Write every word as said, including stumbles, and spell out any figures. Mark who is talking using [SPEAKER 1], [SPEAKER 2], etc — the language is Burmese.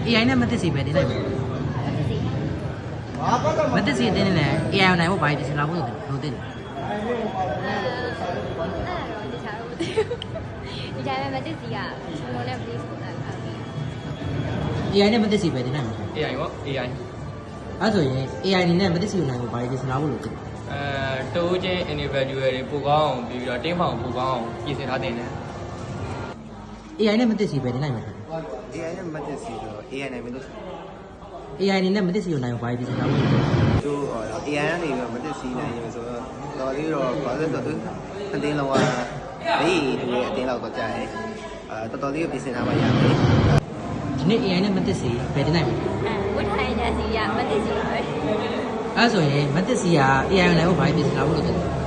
[SPEAKER 1] A I နဲ့မသိစီပဲတင်လိုက်မယ်မသိစီတင်နေလဲ A I နိုင်ဖို့ဘာဖြစ်စလားဘုလို့လို့တင်တယ်
[SPEAKER 2] ဒီတိုင်းပဲမသိစီကကျွန်တော်လည်း please ကိုတာထားပြီး
[SPEAKER 1] A I နဲ့မသိစီပဲတင်လိုက်မယ်
[SPEAKER 3] A I ပေါ့ A I
[SPEAKER 1] အဲ့ဆိုရင် A I အနေနဲ့မသိစီနိုင်ဖို့ဘာဖြစ်စလားဘုလို့တင်တယ်
[SPEAKER 3] အဲတိုးချင်း individual တွေပိုကောင်းအောင်ပြီးပြီးတော့ team ဖောင်ပိုကောင်းအောင်ပြင်ဆင်ထားတင်တယ်
[SPEAKER 1] A I နဲ့မသိစီပဲတင်လိုက်မယ်
[SPEAKER 4] A I နဲ့မတက်စီတော့ A I နိုင်မလို့
[SPEAKER 1] A I အနေနဲ့မသိစီနိုင်ဖို့ဘာဖြစ်စလားဘုလို့
[SPEAKER 4] သူ A I ကနေပြီးမတက်စီနိုင်ရဆိုတော့တော်လေးတော့ဘာလို့ဆိုတော့သူအတင်းလောကဘေးသူရဲ့အတင်းလောက်တော့ကြာတယ်အဲတော်တော်လေးပြင်ဆင်ထားမှရတယ်
[SPEAKER 1] ဒီနေ့ A I နဲ့မသိစီပဲတင်လိုက်မယ်
[SPEAKER 2] ဝတ်ထိုင်တဲ့စီကမသိစီပါပဲ
[SPEAKER 1] အဲ့ဆိုရင်မသိစီက A I နိုင်ဖို့ဘာဖြစ်စလားဘုလို့တင်တယ်